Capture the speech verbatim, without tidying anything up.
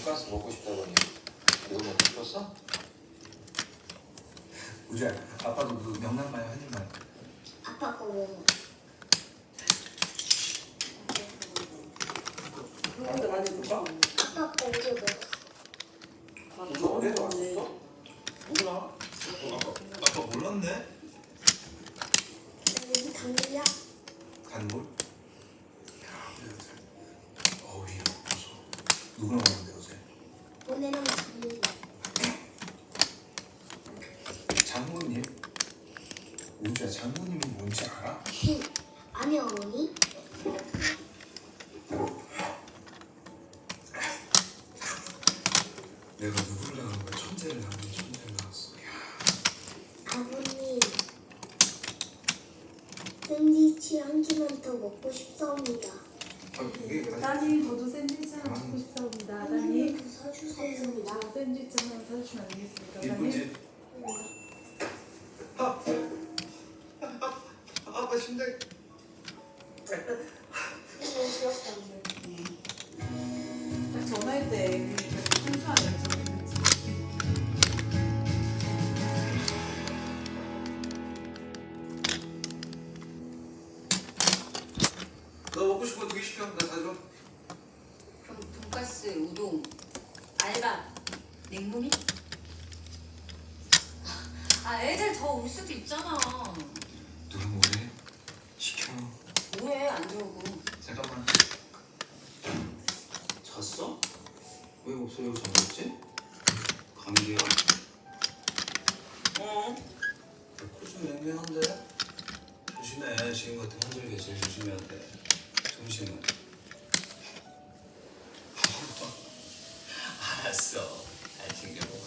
돈가스 먹고 싶다더니 이거 먹고 싶었어? 우주야, 아빠도 그 명란마요 한 입만. 아빠 거 먹어. 형한테 많이 줄까? 아빠 거 어제 먹었어. 우주 어디서 왔었어? 누구나? 어, 아빠, 아빠 몰랐네? 여기 당근이야? 간물? 야, 우리 아들. 어휘 없어서. 누구랑 왔는데 어제? 오늘은 당근이야. 장모님? 우주야, 장모님이 뭔지 알아? 아니 어머니? 내가 누구를 낳은 거야? 천재를 낳은 거야? 천재를 낳았어. 야. 아버님 샌드위치 한 개만 더 먹고 싶사옵니다. 아, 이게 따님 저도 샌드위치 하나 먹고 싶습니다. 따님 더 사주세요. 저 샌드위치 하나 사주시면 안 되겠습니까? 이쁘지? 아, 아빠 심장. 딱 전화할 때 한수하냐 저랬지. 너 먹고 싶은 거 두 개 시켜. 나 다 줘. 그럼 돈가스, 우동, 알밥, 냉모니? 아 애들 더 올 수도 있잖아. 누가 뭐래? 시켜. 뭐해 안 들어오고. 잠깐만. 잤어? 왜 목소리가 잠겼지? 감기야? 어? 코좀 맹맹한데? 조심해. 지금 같은 환절기에 제일 조심해야 돼. 정신은. 알았어. 잘 챙겨.